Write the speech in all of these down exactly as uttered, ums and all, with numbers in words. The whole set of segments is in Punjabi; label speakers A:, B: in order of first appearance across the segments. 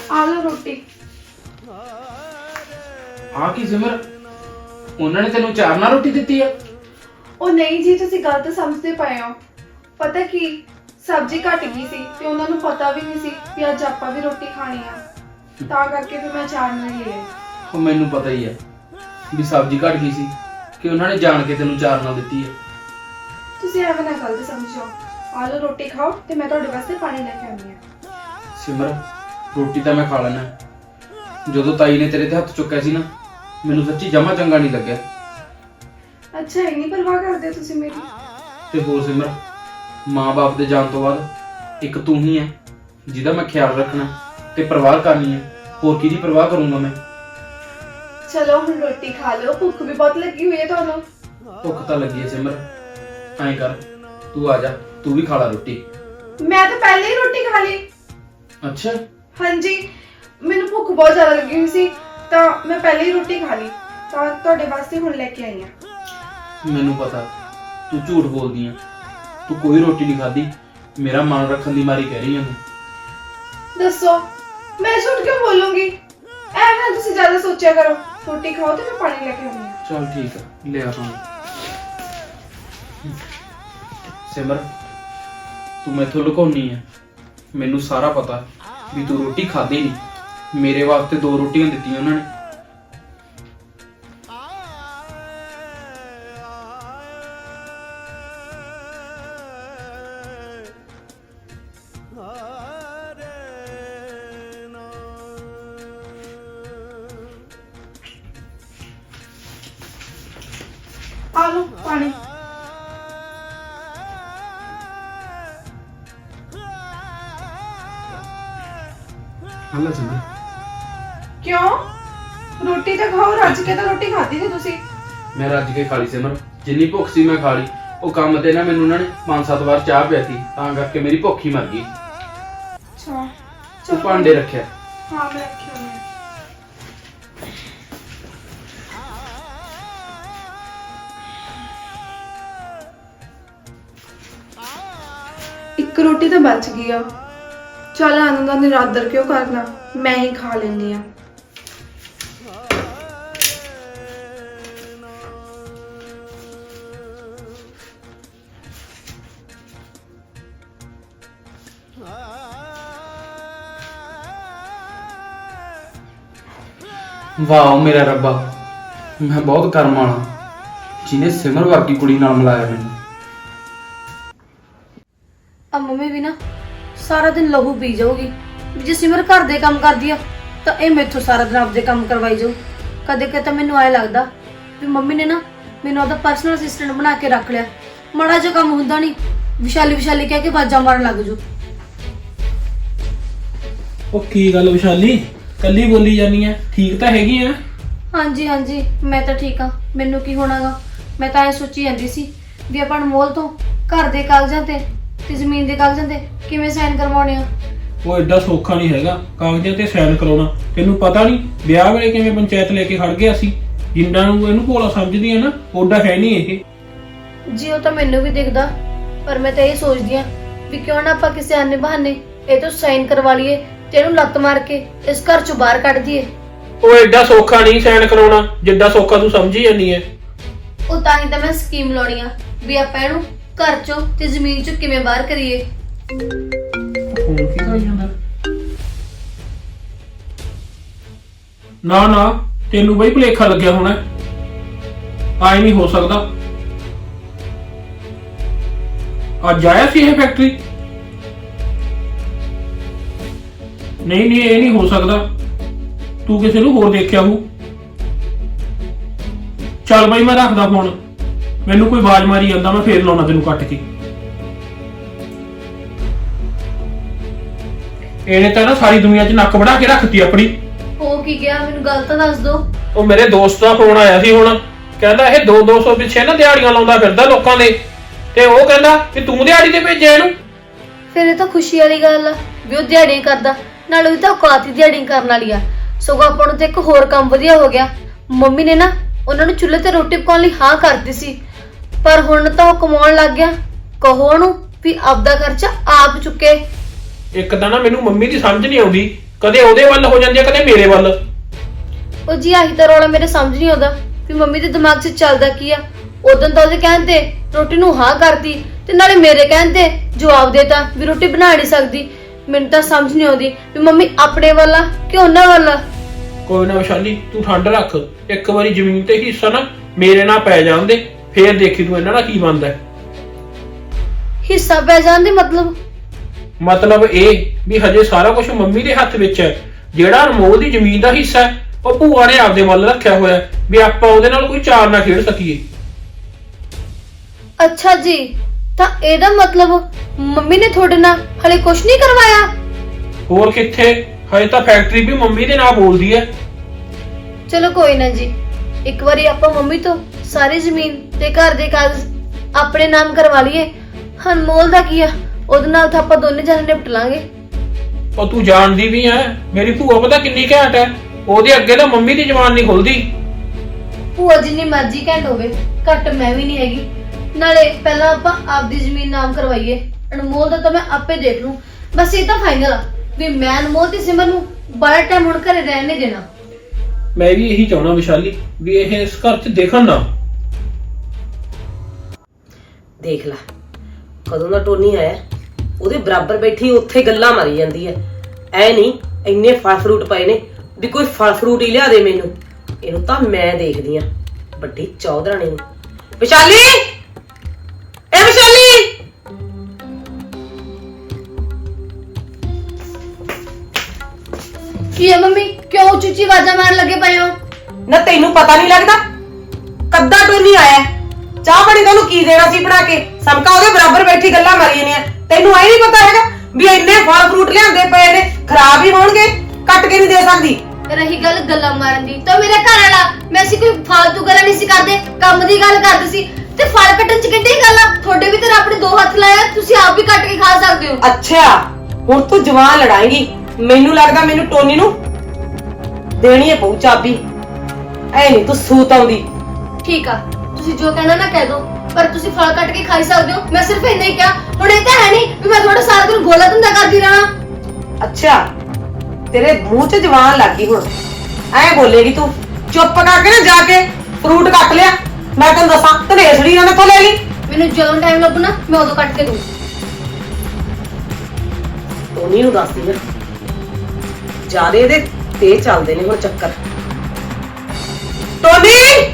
A: ਆ ਲਓ ਰੋਟੀ।
B: ਆ ਕੀ ਸਿਮਰ, ਉਹਨਾਂ ਨੇ ਤੈਨੂੰ ਚਾਰ ਨਾਲ ਰੋਟੀ ਦਿੱਤੀ ਆ?
A: ਉਹ ਨਹੀਂ ਜੀ, ਤੁਸੀਂ ਗਲਤ ਸਮਝਦੇ ਪਏ ਹੋ। ਪਤਾ ਕੀ, ਸਬਜ਼ੀ ਘਟ ਗਈ ਸੀ ਤੇ ਉਹਨਾਂ ਨੂੰ ਪਤਾ ਵੀ ਨਹੀਂ ਸੀ ਕਿ ਅੱਜ ਆਪਾਂ ਵੀ ਰੋਟੀ ਖਾਣੀ ਆ, ਤਾਂ ਕਰਕੇ ਫਿਰ ਮੈਂ ਚਾਰ ਨਾਲ ਲਿਆ।
B: ਉਹ ਮੈਨੂੰ ਪਤਾ ਹੀ ਆ ਵੀ ਸਬਜ਼ੀ ਘਟ ਗਈ ਸੀ ਕਿ ਉਹਨਾਂ ਨੇ ਜਾਣ ਕੇ ਤੈਨੂੰ ਚਾਰ ਨਾਲ ਦਿੱਤੀ ਆ।
A: ਤੁਸੀਂ ਐਵੇਂ ਨਾ ਗਲਤ ਸਮਝੋ। ਆ ਲਓ ਰੋਟੀ ਖਾਓ ਤੇ ਮੈਂ ਤੁਹਾਡੇ ਵਾਸਤੇ ਪਾਣੀ ਲੈ ਕੇ ਆਉਂਦੀ ਆ।
B: ਸਿਮਰ, ਰੋਟੀ ਤਾਂ ਮੈਂ ਖਾ ਲੈਣਾ। ਜਦੋਂ ਤਾਈ ਨੇ ਤੇਰੇ ਤੇ ਹੱਥ ਚੁੱਕਿਆ ਸੀ ਨਾ, ਮੈਨੂੰ ਸੱਚੀ ਜਮਾ ਚੰਗਾ ਨਹੀਂ ਲੱਗਿਆ।
A: ਅੱਛਾ, ਇੰਨੀ ਪਰਵਾਹ ਕਰਦੇ ਹੋ ਤੁਸੀਂ ਮੇਰੀ?
B: ਤੇ ਹੋਰ ਸਿਮਰ, ਮਾਂ-ਬਾਪ ਦੇ ਜਾਣ ਤੋਂ ਬਾਅਦ ਇੱਕ ਤੂੰ ਹੀ ਹੈ ਜਿਹਦਾ ਮੈਂ ਖਿਆਲ ਰੱਖਣਾ ਤੇ ਪਰਵਾਹ ਕਰਨੀ ਹੈ। ਹੋਰ ਕਿਹਦੀ ਪਰਵਾਹ ਕਰੂੰਗਾ ਮੈਂ?
A: ਚਲੋ ਹੁਣ ਰੋਟੀ ਖਾ ਲਓ, ਭੁੱਖ ਵੀ ਬਹੁਤ ਲੱਗੀ ਹੋਈ ਹੈ ਤੁਹਾਨੂੰ।
B: ਭੁੱਖ ਤਾਂ ਲੱਗੀ ਹੈ ਸਿਮਰ, ਐਂ ਕਰ ਤੂੰ ਆ ਜਾ, ਤੂੰ ਵੀ ਖਾ ਲੈ ਰੋਟੀ।
A: ਮੈਂ ਤਾਂ ਪਹਿਲੇ ਹੀ ਰੋਟੀ ਖਾ ਲਈ।
B: ਅੱਛਾ,
A: ਹਾਂਜੀ, ਮੈਨੂੰ ਭੁੱਖ ਬਹੁਤ ਜ਼ਿਆਦਾ ਲੱਗੀ ਹੋਈ ਸੀ ਤਾਂ ਮੈਂ ਪਹਿਲੇ ਹੀ ਰੋਟੀ ਖਾ ਲਈ, ਤਾਂ ਤੁਹਾਡੇ ਵਾਸਤੇ ਹੁਣ ਲੈ ਕੇ ਆਈ ਆ।
B: ਮੈਨੂੰ ਪਤਾ ਤੂੰ ਝੂਠ ਬੋਲਦੀ ਆ, ਤੂੰ ਕੋਈ ਰੋਟੀ ਨਹੀਂ ਖਾਧੀ। ਮੇਰਾ ਮਨ ਰੱਖਣ ਦੀ ਮਾਰੀ ਕਹਿ ਰਹੀ ਆ ਤੂੰ।
A: ਦੱਸੋ ਮੈਂ ਝੂਠ ਕਿਉਂ ਬੋਲੂੰਗੀ? ਐਵੇਂ ਨਾ ਤੁਸੀਂ ਜ਼ਿਆਦਾ ਸੋਚਿਆ ਕਰੋ। ਰੋਟੀ ਖਾਓ ਤੇ ਮੈਂ ਪਾਣੀ ਲੈ ਕੇ ਆਉਂਦੀ ਆ।
B: ਚਲ ਠੀਕ ਆ, ਲੈ ਆ ਪਾਣੀ। ਸਿਮਰ, ਤੂੰ ਮੈਥੋਂ ਲੁਕਾਉਣੀ ਆ। ਮੈਨੂੰ ਸਾਰਾ ਪਤਾ ਵੀ ਤੂੰ ਰੋਟੀ ਖਾਧੀ ਨਹੀਂ। ਮੇਰੇ ਵਾਸਤੇ ਦੋ ਰੋਟੀਆਂ ਦਿੱਤੀਆਂ ਉਹਨਾਂ ਨੇ।
A: ਆ ਲਓ ਪਾਣੀ।
B: ਹਲਾ ਸਿਮਰ,
A: ਕਿਉਂ? ਰੋਟੀ ਤਾਂ ਖਾਓ, ਰੱਜ ਕੇ ਤਾਂ ਰੋਟੀ ਖਾਧੀ ਸੀ ਤੁਸੀਂ।
B: ਮੈਂ ਰੱਜ ਕੇ ਖਾ ਲਈ ਸਿਮਰ, ਜਿੰਨੀ ਭੁੱਖ ਸੀ ਮੈਂ ਖਾ ਲਈ। ਉਹ ਕੰਮ ਤੇ ਨਾ ਮੈਨੂੰ ਉਹਨਾਂ ਨੇ ਪੰਜ ਸੱਤ ਵਾਰ ਚਾਹ ਪਿਆਤੀ, ਤਾਂ ਕਰਕੇ ਮੇਰੀ ਭੁੱਖ ਹੀ ਮਰ ਗਈ।
A: ਅੱਛਾ,
B: ਤੂੰ ਭਾਂਡੇ ਰੱਖਿਆ?
A: ਹਾਂ ਮੈਂ ਰੱਖਿਆ ਹੋਇਆ। ਇੱਕ ਰੋਟੀ ਤਾਂ ਬਚ ਗਈ ਆ। ਚੱਲ ਆਨੰਦ ਦਾ ਨਿਰਾਦਰ ਕਿਉਂ ਕਰਨਾ, ਮੈਂ ਹੀ ਖਾ ਲੈਂਦੀ ਆ।
B: ਵਾਹ ਮੇਰਾ ਰੱਬਾ, ਮੈਂ ਬਹੁਤ ਕਰਮ ਵਾਲਾ ਜਿਹਨੇ ਸਿਮਰ ਵਰਗੀ ਕੁੜੀ ਨਾਲ ਮਿਲਾਇਆ ਮੈਨੂੰ।
C: ਆ ਮੰਮੀ ਵੀ ਨਾ ਸਾਰਾ ਦਿਨ ਲਹੂ ਪੀ ਜਾਊਗੀ। ਜੇ ਸਿਮਰ ਘਰ ਦੇ ਕੰਮ ਕਰਦੀ ਆ ਤਾਂ ਇਹ ਮੈਥੋਂ ਸਾਰਾ ਦਿਨ ਆਪਦੇ ਕੰਮ ਕਰਵਾਈ ਜਾਊ। ਕਦੇ ਕਦੇ ਤਾਂ ਮੈਨੂੰ ਐ ਲੱਗਦਾ ਵੀ ਮੰਮੀ ਨੇ ਨਾ ਮੈਨੂੰ ਆਪਦਾ ਪਰਸਨਲ ਅਸਿਸਟੈਂਟ ਬਣਾ ਕੇ ਰੱਖ ਲਿਆ। ਮਾੜਾ ਜਿਹਾ ਕੰਮ ਹੁੰਦਾ ਨਹੀਂ, ਵਿਸ਼ਾਲੀ ਵਿਸ਼ਾਲੀ ਕਹਿ ਕੇ ਬਾਜਾਂ ਮਾਰਨ ਲੱਗ ਜੂ।
D: ਉਹ ਕੀ ਗੱਲ ਵਿਸ਼ਾਲੀ, ਕੱਲੀ ਬੋਲੀ ਜਾਨੀ ਆ? ਠੀਕ ਤਾਂ ਹੈਗੀ ਆ?
C: ਹਾਂਜੀ ਹਾਂਜੀ, ਮੈਂ ਤਾਂ ਠੀਕ ਆ। ਮੈਨੂੰ ਕੀ ਹੋਣਾਗਾ? ਮੈਂ ਤਾਂ ਐ ਸੋਚੀ ਜਾਂਦੀ ਸੀ ਵੀ ਆਪਾਂ ਅਨਮੋਲ ਤੋਂ ਘਰ ਦੇ ਕਾਗਜ਼ਾਂ ਤੇ ਤੇ ਜ਼ਮੀਨ ਦੇ ਕਾਗਜ਼ਾਂ ਤੇ ਕਿਵੇਂ ਸਾਈਨ ਕਰਵਾਉਣੇ ਆ।
D: ਉਹ ਐਡਾ ਸੌਖਾ ਨਹੀਂ ਹੈਗਾ ਕਾਗਜ਼ਾਂ ਤੇ ਸਾਈਨ ਕਰਾਉਣਾ। ਤੈਨੂੰ ਪਤਾ ਨਹੀਂ ਵਿਆਹ ਵੇਲੇ ਕਿਵੇਂ ਪੰਚਾਇਤ ਲੈ ਕੇ ਖੜ ਗਿਆ ਸੀ। ਜਿੰਨਾਂ ਨੂੰ ਇਹਨੂੰ ਭੋਲਾ ਸਮਝਦੀ ਆ ਨਾ, ਓਡਾ ਹੈ ਨਹੀਂ ਇਹ।
C: ਜੀ ਉਹ ਤਾਂ ਮੈਨੂੰ ਵੀ ਦਿਖਦਾ, ਪਰ ਮੈਂ ਤਾਂ ਇਹ ਸੋਚਦੀ ਆ ਵੀ ਕਿਉਂ ਨਾ ਆਪਾਂ ਕਿਸੇ ਆਨੇ ਬਹਾਨੇ ਇਹ ਤੋਂ ਸਾਈਨ ਕਰਵਾ ਲਈਏ ਤੇ ਇਹਨੂੰ ਲੱਤ ਮਾਰ ਕੇ ਇਸ ਘਰ ਚੋਂ ਬਾਹਰ ਕੱਢ ਦਈਏ।
D: ਉਹ ਐਡਾ ਸੌਖਾ ਨਹੀਂ ਸਾਈਨ ਕਰਾਉਣਾ ਜਿੱਡਾ ਸੌਖਾ ਤੂੰ ਸਮਝੀ ਜਾਂਦੀ ਐ।
C: ਉਹ ਤਾਂ ਹੀ ਤਾਂ ਮੈਂ ਸਕੀਮ ਲਾਉਣੀ ਆ ਵੀ ਆਪਾਂ ਇਹਨੂੰ ਘਰ ਚੋਂ ਤੇ ਜ਼ਮੀਨ ਚੋਂ ਕਿਵੇਂ ਬਾਹਰ ਕਰੀਏ।
D: ਫੋਨ ਕੀ ਕਰੀ ਜਾਂਦਾ? ਨਾ ਨਾ, ਤੈਨੂੰ ਬਈ ਭੁਲੇਖਾ ਲੱਗਿਆ ਹੋਣਾ। ਆਈ ਨਹੀਂ ਹੋ ਸਕਦਾ। ਅੱਜ ਆਇਆ ਸੀ ਇਹ ਫੈਕਟਰੀ? ਨਹੀਂ ਨਹੀਂ, ਇਹ ਨਹੀਂ ਹੋ ਸਕਦਾ। ਤੂੰ ਕਿਸੇ ਨੂੰ ਹੋਰ ਦੇਖਿਆ ਹੋਊ। ਚੱਲ ਬਈ ਮੈਂ ਰੱਖਦਾ ਫੋਨ, ਮੈਨੂੰ ਕੋਈ ਆਵਾਜ਼ ਮਾਰੀ ਜਾਂਦਾ, ਮੈਂ ਫੇਰ ਲਾਉਣਾ ਤੈਨੂੰ ਕੱਟ ਕੇ। ਇਹਨੇ ਤਾਂ ਨਾ ਸਾਰੀ ਦੁਨੀਆ 'ਚ ਨੱਕ ਵੜਾ ਕੇ ਰੱਖਤੀ ਆਪਣੀ।
C: ਹੋ ਕੀ ਗਿਆ, ਮੈਨੂੰ ਗੱਲ ਤਾਂ ਦੱਸ ਦੋ।
D: ਉਹ ਮੇਰੇ ਦੋਸਤ ਦਾ ਫੋਨ ਆਇਆ ਸੀ ਹੁਣ, ਕਹਿੰਦਾ ਇਹ ਦੋ ਦੋ ਸੌ ਪਿੱਛੇ ਨਾ ਦਿਹਾੜੀਆਂ ਲਾਉਂਦਾ ਫਿਰਦਾ ਲੋਕਾਂ ਦੇ, ਤੇ ਉਹ ਕਹਿੰਦਾ ਕਿ ਤੂੰ ਦਿਹਾੜੀ ਤੇ ਭੇਜਿਆ ਇਹਨੂੰ।
C: ਫਿਰ ਇਹ ਤਾਂ ਖੁਸ਼ੀ ਵਾਲੀ ਗੱਲ ਆ ਵੀ ਉਹ ਦਿਹਾੜੀ ਕਰਦਾ, ਨਾਲ ਉਹ ਤਾਂ ਔਕਾਤ ਹੀ ਦਿਹਾੜੀ ਕਰਨ ਵਾਲੀ ਆ। ਸਗੋਂ ਆਪਾਂ ਨੂੰ ਤੇ ਇੱਕ ਹੋਰ ਕੰਮ ਵਧੀਆ ਹੋ ਗਿਆ। ਮੰਮੀ ਨੇ ਨਾ ਉਹਨਾਂ ਨੂੰ ਚੁੱਲ੍ਹੇ ਤੇ ਰੋਟੀ ਪਕਾਉਣ ਲਈ ਹਾਂ ਕਰਦੀ ਸੀ, ਪਰ ਹੁਣ ਤਾਂ ਉਹ ਕਮਾਉਣ ਲੱਗ ਗਿਆ। ਕਹੋ ਉਹਨੂੰ ਵੀ ਆਪਦਾ ਖਰਚਾ ਆਪ ਚੁੱਕੇ।
D: ਇੱਕ ਤਾਂ ਨਾ ਮੈਨੂੰ ਮੰਮੀ ਦੀ ਸਮਝ ਨਹੀਂ ਆਉਂਦੀ ਕਦੇ ਉਹਦੇ ਵੱਲ ਹੋ ਜਾਂਦੀ ਆ ਕਦੇ ਮੇਰੇ ਵੱਲ।
C: ਉਹ ਜੀ ਆਹੀ ਤਾਂ ਰੌਲਾ ਮੇਰੇ ਸਮਝ ਨਹੀਂ ਆਉਂਦਾ ਵੀ ਮੰਮੀ ਦੇ ਦਿਮਾਗ 'ਚ ਚੱਲਦਾ ਕੀ ਆ। ਉਦੋਂ ਤਾਂ ਉਹਦੇ ਕਹਿਣ ਤੇ ਰੋਟੀ ਨੂੰ ਹਾਂ ਕਰਤੀ ਤੇ ਨਾਲੇ ਮੇਰੇ ਕਹਿਣ ਤੇ ਜਵਾਬ ਦੇਤਾ ਵੀ ਰੋਟੀ ਬਣਾ ਨਹੀਂ ਸਕਦੀ। ਮੈਨੂੰ ਤਾਂ ਸਮਝ ਨਹੀਂ ਆਉਂਦੀ ਵੀ ਮੰਮੀ ਆਪਣੇ ਵੱਲ ਆ ਕਿ ਉਹਨਾਂ ਵੱਲ ਆ।
D: ਕੋਈ ਨਾ ਵਿਸ਼ਾਲੀ, ਤੂੰ ਠੰਡ ਰੱਖ। ਇੱਕ ਵਾਰੀ ਜ਼ਮੀਨ ਤੇ ਹਿੱਸਾ ਨਾ ਮੇਰੇ ਨਾਲ ਪੈ ਜਾਂਦੇ, ਫੇਰ ਦੇਖੀ ਤੂੰ ਇਹਨਾਂ ਦਾ ਕੀ ਬਣਦਾ।
C: ਹਿੱਸਾ ਪੈ ਜਾਣ ਦੇ ਮਤਲਬ
D: ਮਤਲਬ ਇਹ ਵੀ ਹਜੇ ਸਾਰਾ ਕੁਝ ਮੰਮੀ ਦੇ ਹੱਥ ਵਿੱਚ ਹੈ। ਜਿਹੜਾ ਅਨਮੋਲ ਦੀ ਜ਼ਮੀਨ ਦਾ ਹਿੱਸਾ ਹੈ ਉਹ ਭੂਆ ਨੇ ਆਪਦੇ ਵੱਲ ਰੱਖਿਆ ਹੋਇਆ ਵੀ ਆਪਾਂ ਉਹਦੇ ਨਾਲ ਕੋਈ ਚਾਰ ਨਾ ਖੇਡ ਸਕੀਏ।
C: ਅੱਛਾ ਜੀ, ਤਾਂ ਇਹਦਾ ਮਤਲਬ ਮੰਮੀ ਨੇ ਤੁਹਾਡੇ ਨਾਲ ਹਲੇ ਕੁਝ ਨਹੀਂ ਕਰਵਾਇਆ?
D: ਹੋਰ ਕਿੱਥੇ, ਹਜੇ ਤਾਂ ਫੈਕਟਰੀ ਵੀ ਮੰਮੀ ਦੇ ਨਾਲ ਬੋਲਦੀ ਹੈ।
C: ਚਲੋ ਕੋਈ ਨਾ ਜੀ, ਇੱਕ ਵਾਰੀ ਆਪਾਂ ਮੰਮੀ ਤੋਂ ਸਾਰੀ ਜ਼ਮੀਨ ਤੇ ਘਰ ਦੇ ਕਾਗਜ਼ ਆਪਣੇ ਨਾਮ ਕਰਵਾ ਲਈਏ। ਅਨਮੋਲ ਦਾ ਕੀ ਆ, ਉਹਦੇ ਨਾਲ ਤਾਂ ਆਪਾਂ ਦੋਨੇ ਜਣੇ ਨਿਪਟ ਲਾਂਗੇ।
D: ਉਹ ਤੂੰ ਜਾਣਦੀ ਵੀ ਐ ਮੇਰੀ ਭੂਆ ਪਤਾ ਕਿੰਨੀ ਘੈਂਟ ਹੈ, ਉਹਦੇ ਅੱਗੇ ਤਾਂ ਮੰਮੀ ਦੀ ਜ਼ੁਬਾਨ ਨਹੀਂ ਖੁੱਲਦੀ।
C: ਭੂਆ ਜਿੰਨੀ ਮਰਜ਼ੀ ਘੈਂਟ ਹੋਵੇ, ਘੱਟ ਮੈਂ ਵੀ ਨਹੀਂ ਹੈਗੀ। ਨਾਲੇ ਪਹਿਲਾਂ ਆਪਾਂ ਆਪਦੀ ਜ਼ਮੀਨ ਨਾਮ ਕਰਵਾਈਏ। ਅਨਮੋਲ ਦਾ ਤਾਂ ਮੈਂ ਆਪੇ ਦੇਖ ਲੂੰ। ਬਸ ਇਹ ਤਾਂ ਫਾਈਨਲ ਆ ਵੀ ਮੈਂ ਅਨਮੋਲ ਤੇ ਸਿਮਰ ਨੂੰ ਬੜਾ ਟਾਈਮ ਹੁਣ ਘਰੇ ਰਹਿਣ ਨਹੀਂ ਦੇਣਾ।
D: ਮੈਂ ਵੀ ਇਹੀ ਚਾਹਣਾ ਵਿਸ਼ਾਲੀ ਵੀ ਇਹ ਇਸ ਘਰ 'ਚ ਦੇਖਣ ਨਾ।
E: ਦੇਖ ਲੈ ਕਦੋਂ ਦਾ ਟੋਨੀ ਆਇਆ, ਉਹਦੇ ਬਰਾਬਰ ਬੈਠੀ ਉੱਥੇ ਗੱਲਾਂ ਮਾਰੀ ਜਾਂਦੀ ਐ। ਐ ਨਹੀਂ ਇੰਨੇ ਫਲ ਫਰੂਟ ਪਏ ਨੇ ਵੀ ਕੋਈ ਫਲ ਫਰੂਟ ਹੀ ਲਿਆ ਦੇ ਮੈਨੂੰ। ਇਹਨੂੰ ਤਾਂ ਮੈਂ ਦੇਖਦੀ ਆ ਵੱਡੀ ਚੌਧਰਾਣੀ ਨੂੰ। ਵਿਸ਼ਾਲੀ, ਏ ਵਿਸ਼ਾਲੀ,
C: ਕੀ ਹੈ ਮੰਮੀ, ਕਿਉਂ ਉੱਚੀ ਉੱਚੀ ਆਵਾਜ਼ਾਂ ਮਾਰਨ ਲੱਗੇ ਪਏ ਹੋ?
E: ਨਾ ਤੈਨੂੰ ਪਤਾ ਨਹੀਂ ਲੱਗਦਾ ਕੱਦਾ ਟੋਨੀ ਆਇਆ? ਚਾਹ ਪਾਣੀ ਤੁਹਾਨੂੰ ਕੀ ਦੇਣਾ ਸੀ ਬਣਾ ਕੇ? ਸਮਕਾ ਉਹਦੇ ਬਰਾਬਰ ਬੈਠੀ ਗੱਲਾਂ ਮਾਰੀ ਜਾਂਦੀਆਂ। ਤੈਨੂੰ ਐ ਨਹੀਂ ਪਤਾ ਹੈਗਾ ਵੀ ਇੰਨੇ ਫਲ ਫਰੂਟ ਲਿਆਂਦੇ ਪਏ ਨੇ, ਖਰਾਬ ਹੀ ਹੋਣਗੇ, ਕੱਟ ਕੇ ਨਹੀਂ ਦੇ ਸਕਦੀ।
C: ਰਹੀ ਗੱਲ ਗੱਲਾਂ ਮਾਰਨ ਦੀ, ਤਾਂ ਮੇਰਾ ਘਰ ਵਾਲਾ ਮੈਂ ਸੀ ਕੋਈ ਫਾਲਤੂ ਗੱਲਾਂ ਨਹੀਂ ਸੀ ਕਰਦੇ, ਕੰਮ ਦੀ ਗੱਲ ਕਰਦੇ ਸੀ। ਤੇ ਫਲ ਕੱਟਣ ਚ ਕਿੱਡੀ ਗੱਲ ਆ? ਤੁਹਾਡੇ ਵੀ ਤਾਂ ਰੱਬ ਨੇ ਦੋ ਹੱਥ ਲਾਇਆ, ਤੁਸੀਂ ਆਪ ਵੀ ਕੱਟ ਕੇ ਖਾ ਸਕਦੇ ਹੋ।
E: ਅੱਛਾ ਹੁਣ ਤੂੰ ਜਵਾਨ ਲੜਾਏਂਗੀ। ਮੈਨੂੰ ਲੱਗਦਾ ਮੈਨੂੰ ਟੋਨੀ ਨੂੰ ਦੇਣੀ ਹੈ ਪਊ ਚਾਬੀ। ਐ ਨਹੀਂ ਤੂੰ ਸੂਤ ਆਉਂਦੀ।
C: ਠੀਕ ਆ, ਤੁਸੀਂ ਜੋ ਕਹਿਣਾ ਨਾ ਕਹਿ ਦੋ, ਪਰ ਤੁਸੀਂ ਫਲ ਕੱਟ ਕੇ ਖਾਈ ਸਕਦੇ ਹੋ। ਮੈਂ ਸਿਰਫ ਇੰਨਾ ਹੀ ਕਿਹਾ। ਹੁਣ ਇਹ ਤਾਂ ਹੈ ਨਹੀਂ ਵੀ ਮੈਂ ਤੁਹਾਡਾ ਸਾਰਾ ਦਿਨ ਗੋਲਾ ਧੰਦਾ ਕਰਦੀ ਰਹਾਂ।
E: ਅੱਛਾ ਤੇਰੇ ਮੂੰਹ 'ਚ ਜਵਾਨ ਲੱਗ ਗਈ ਹੁਣ, ਐ ਬੋਲੇਗੀ ਤੂੰ? ਚੁੱਪ ਕਰਕੇ ਨਾ ਜਾ ਕੇ ਫਰੂਟ ਕੱਟ ਲਿਆ। ਮੈਂ ਤੈਨੂੰ ਦੱਸਾਂ ਧਨੇਸੜੀ ਨਾ ਮੈਥੋਂ ਲੈ ਲਈ।
C: ਮੈਨੂੰ ਜਦੋਂ ਟਾਈਮ ਲੱਗੂ ਨਾ ਮੈਂ ਉਦੋਂ ਕੱਟ ਕੇ ਦੂੰ।
E: ਟੋਨੀ ਨੂੰ ਦੱਸਦੀ ਆ ਜਿਆਦੇ ਇਹਦੇ ਤੇ ਚੱਲਦੇ ਨੇ ਹੁਣ ਚੱਕਰ। ਟੋਨੀ,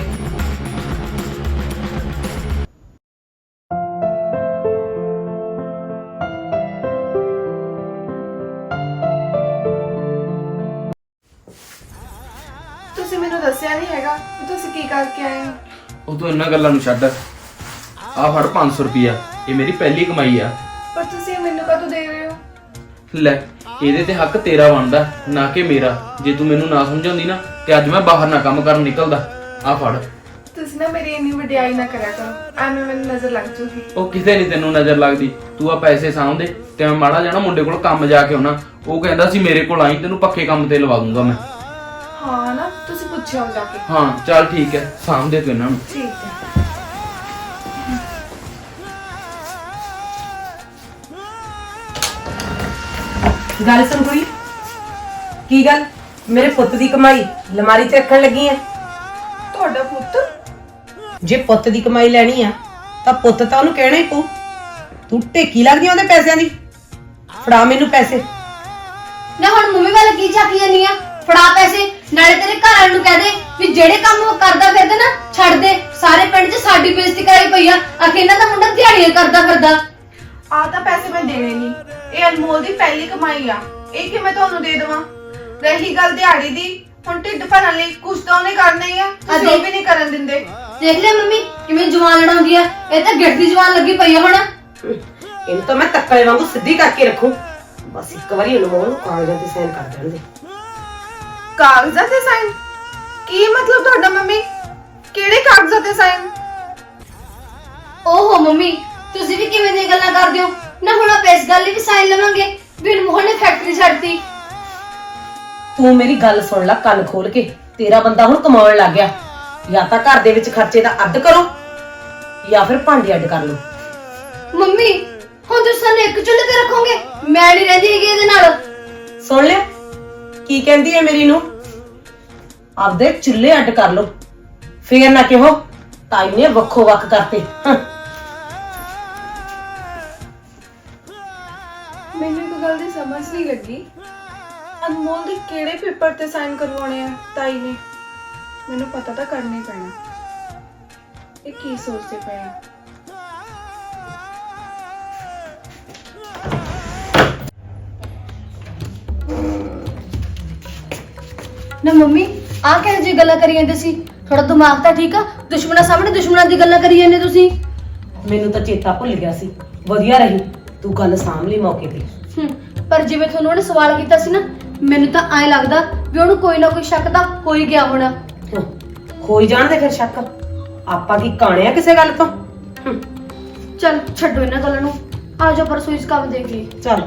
A: ਤੁਸੀਂ ਮੈਨੂੰ ਦੱਸਿਆ ਨਹੀਂ ਹੈਗਾ ਕਿ ਤੁਸੀਂ ਕੀ ਕਰਕੇ ਆਏ ਹੋ।
B: ਉਹ ਤੂੰ ਇਹਨਾਂ ਗੱਲਾਂ ਨੂੰ ਛੱਡ। ਆਹ ਫੜ ਪੰਜ ਸੌ ਰੁਪਿਆ, ਇਹ ਮੇਰੀ ਪਹਿਲੀ ਕਮਾਈ ਆ।
A: ਪਰ ਤੁਸੀਂ ਮੈਨੂੰ ਕਦੋਂ ਦੇ ਰਹੇ ਹੋ?
B: ਲੈ ਇਹਦੇ ਤੇ ਹੱਕ ਤੇਰਾ ਬਣਦਾ ਨਾ ਕਿ ਮੇਰਾ। ਜੇ ਤੂੰ ਮੈਨੂੰ ਨਾ ਸਮਝਾਉਂਦੀ ਨਾ ਤੇ ਅੱਜ ਮੈਂ ਬਾਹਰ ਨਾ ਕੰਮ ਕਰਨ ਨਿਕਲਦਾ। ਆਹ ਫੜ।
A: ਤੁਸੀਂ ਨਾ ਮੇਰੀ ਇੰਨੀ ਵਡਿਆਈ ਨਾ ਕਰਿਆ ਕਰੋ, ਐਵੇਂ ਮੈਨੂੰ ਨਜ਼ਰ ਲੱਗ ਜੂਗੀ।
B: ਉਹ ਕਿਤੇ ਨਹੀਂ ਤੈਨੂੰ ਨਜ਼ਰ ਲੱਗਦੀ। ਤੂੰ ਆ ਪੈਸੇ ਸਾਂਭਦੇ ਤੇ ਮੈਂ ਮਾੜਾ ਜਾਣਾ ਮੁੰਡੇ ਕੋਲ ਕੰਮ ਜਾ ਕੇ ਆਉਣਾ। ਉਹ ਕਹਿੰਦਾ ਸੀ ਮੇਰੇ ਕੋਲ ਆਈ, ਤੈਨੂੰ ਪੱਕੇ ਕੰਮ ਤੇ ਲਵਾ ਦੂੰਗਾ ਮੈਂ।
A: ਹਾਂ ਨਾ, ਤੁਸੀਂ ਪੁੱਛਿਓ ਜਾ ਕੇ।
B: ਹਾਂ ਚੱਲ ਠੀਕ ਹੈ, ਸਾਂਭਦੇ ਤੂੰ ਇਹਨਾਂ ਨੂੰ।
A: ਠੀਕ ਹੈ।
E: ਗੱਲ ਸੁਣ ਕੋਈ। ਕੀ ਗੱਲ ਮੇਰੇ ਪੁੱਤ ਦੀ ਕਮਾਈ ਲਮਾਰੀ 'ਚ ਰੱਖਣ ਲੱਗੀ ਐ?
A: ਤੁਹਾਡਾ ਪੁੱਤ?
E: ਜੇ ਪੁੱਤ ਦੀ ਕਮਾਈ ਲੈਣੀ ਆ ਤਾਂ ਪੁੱਤ ਤਾਂ ਉਹਨੂੰ ਕਹਿਣਾ ਹੀ ਪਊ। ਤੂੰ ਢੇਕੀ ਲੱਗਦੀ ਉਹਦੇ ਪੈਸਿਆਂ ਦੀ। ਫੜਾ ਮੈਨੂੰ ਪੈਸੇ।
C: ਨਾ ਹੁਣ ਮੰਮੀ ਵੱਲ ਕੀ ਝਾਕੀ ਜਾਨੀ ਆ? ਫੜਾ ਪੈਸੇ। ਨਾਲੇ ਤੇਰੇ ਘਰ ਵਾਲੇ ਨੂੰ ਕਹਿ ਦੇ ਵੀ ਜਿਹੜੇ ਕੰਮ ਉਹ ਕਰਦਾ ਫਿਰਦਾ ਨਾ ਛੱਡ ਦੇ। ਸਾਰੇ ਪਿੰਡ 'ਚ ਸਾਡੀ ਬੇਇੱਜ਼ਤੀ ਕਰਾਈ ਪਈ ਆ। ਆਖੇ ਇਹਨਾਂ ਦਾ ਮੁੰਡਾ ਦਿਹਾੜੀਆਂ ਕਰਦਾ ਫਿਰਦਾ।
A: ਆ ਤਾਂ ਪੈਸੇ ਮੈਂ ਦੇਣੇ ਨਹੀਂ, ਇਹ ਅਨਮੋਲ ਦੀ ਪਹਿਲੀ ਕਮਾਈ ਆ। ਇਹ ਕਿ ਮੈਂ ਤੁਹਾਨੂੰ ਦੇ ਦੇਵਾਂ? ਰਹੀ ਗੱਲ ਦਿਹਾੜੀ ਦੀ, ਹੁਣ ਢਿੱਡ ਭਰਨ ਲਈ ਕੁਝ ਤਾਂ ਉਹਨੇ ਕਰਨਾ ਹੀ ਆ। ਤੁਸੀਂ ਉਹ ਵੀ ਨਹੀਂ ਕਰਨ ਦਿੰਦੇ।
C: ਦੇਖ ਲਿਆ ਮੰਮੀ ਕਿਵੇਂ ਜਵਾਨ ਲੜਾਉਂਦੀ ਆ? ਇਹ ਤਾਂ ਗਿੱਟ ਦੀ ਜਵਾਨ ਲੱਗੀ ਪਈ ਆ ਹੁਣ।
E: ਇਹਨੂੰ ਤਾਂ ਮੈਂ ਤੱਕਲੇ ਵਾਂਗੂ ਸਿੱਧੀ ਕਰਕੇ ਰੱਖੂ। ਬਸ ਇੱਕ ਵਾਰੀ ਅਨਮੋਲ ਨੂੰ ਕਾਗਜ਼ਾਂ ਤੇ ਸਾਈਨ ਕਰ ਦੇਣ ਦੇ।
A: ਕਾਗਜ਼ਾਂ ਤੇ ਸਾਈਨ? ਕੀ ਮਤਲਬ ਤੁਹਾਡਾ ਮੰਮੀ? ਕਿਹੜੇ ਕਾਗਜ਼ਾਂ ਤੇ ਸਾਈਨ?
C: ਓਹੋ ਮੰਮੀ, ਤੁਸੀਂ ਵੀ ਕਿਵੇਂ ਦੀਆਂ ਗੱਲਾਂ ਕਰਦੇ ਹੋ ਨਾ? ਹੁਣ ਆਪਾਂ ਇਸ ਗੱਲ ਲਈ ਵੀ ਸਾਈਨ ਲਵਾਂਗੇ ਵੀ ਅਨਮੋਲ ਨੇ ਫੈਕਟਰੀ ਛੱਡਤੀ।
E: ਤੂੰ ਮੇਰੀ ਗੱਲ ਸੁਣ ਲੈ ਕੰਨ ਖੋਲ ਕੇ। ਤੇਰਾ ਬੰਦਾ ਹੁਣ ਕਮਾਉਣ ਲੱਗ ਗਿਆ। ਜਾਂ ਤਾਂ ਘਰ ਦੇ ਵਿੱਚ ਖਰਚੇ ਦਾ ਅੱਡ ਕਰੋ ਜਾਂ ਫਿਰ ਭਾਂਡੇ ਅੱਡ ਕਰ ਲਓ।
C: ਮੰਮੀ ਹੁਣ ਤੁਸੀਂ ਸਾਨੂੰ ਇੱਕ ਚੁੱਲ੍ਹੇ ਤੇ ਰੱਖੋਗੇ? ਮੈਂ ਨਹੀਂ ਰਹਿੰਦੀ ਹੈਗੀ ਇਹਦੇ ਨਾਲ।
E: ਸੁਣ ਲਿਆ, ਕੀ ਕਹਿੰਦੀ ਹੈ ਮੇਰੀ ਨੂੰ? ਆਪਦੇ ਚੁੱਲ੍ਹੇ ਅੱਡ ਕਰ ਲੋ, ਫੇਰ ਨਾ ਕਿਹੋ ਤਾਈ ਨੇ ਵੱਖੋ ਵੱਖ ਕਰਤੇ। ਹਾਂ।
A: ਮੈਨੂੰ ਇੱਕ ਗੱਲ ਦੀ ਸਮਝ ਨਹੀਂ ਲੱਗੀ, ਅਨਮੋਲ ਦੇ ਕਿਹੜੇ ਪੇਪਰ ਤੇ ਸਾਈਨ ਕਰਵਾਉਣੇ ਆ ਤਾਈ ਨੇ? ਮੈਨੂੰ ਪਤਾ ਤਾਂ ਕਰਨਾ ਹੀ ਪੈਣਾ। ਇਹ ਕੀ ਸੋਚਦੇ ਪਏ ਆ?
C: ਨਾ ਮੰਮੀ ਆ ਕਿਹੋ ਜਿਹੀ ਗੱਲਾਂ ਕਰੀ ਜਾਂਦੇ ਸੀ? ਥੋੜਾ ਦਿਮਾਗ ਤਾਂ ਠੀਕ ਆ? ਦੁਸ਼ਮਣਾਂ ਸਾਹਮਣੇ ਦੁਸ਼ਮਣਾਂ ਦੀ ਗੱਲਾਂ ਕਰੀ ਜਾਂਦੇ ਤੁਸੀਂ।
E: ਮੈਨੂੰ ਤਾਂ ਚੇਤਾ ਭੁੱਲ ਗਿਆ ਸੀ। ਵਧੀਆ ਰਹੀ ਤੂੰ ਗੱਲ ਸਾਂਭ ਲਈ ਮੌਕੇ ਤੇ।
C: ਹੂੰ, ਪਰ ਜਿਵੇਂ ਤੁਹਾਨੂੰ ਉਹਨੇ ਸਵਾਲ ਕੀਤਾ ਸੀ ਨਾ, ਮੈਨੂੰ ਤਾਂ ਐਂ ਲੱਗਦਾ ਵੀ ਉਹਨੂੰ ਕੋਈ ਨਾ ਕੋਈ ਸ਼ੱਕ ਤਾਂ ਹੋ ਹੀ ਗਿਆ ਹੋਣਾ।
E: ਹਮ, ਹੋਈ ਜਾਣਦੇ ਫਿਰ ਸ਼ੱਕ। ਆਪਾਂ ਕੀ ਕਾਣੇ ਆ ਕਿਸੇ ਗੱਲ ਤੋਂ? ਹਮ,
C: ਚੱਲ ਛੱਡੋ ਇਹਨਾਂ ਗੱਲਾਂ ਨੂੰ, ਆ ਜਾਓ ਪਰਸੋਂ ਇਸ ਕੰਮ ਦੇਖ ਲਈ।
E: ਚੱਲ।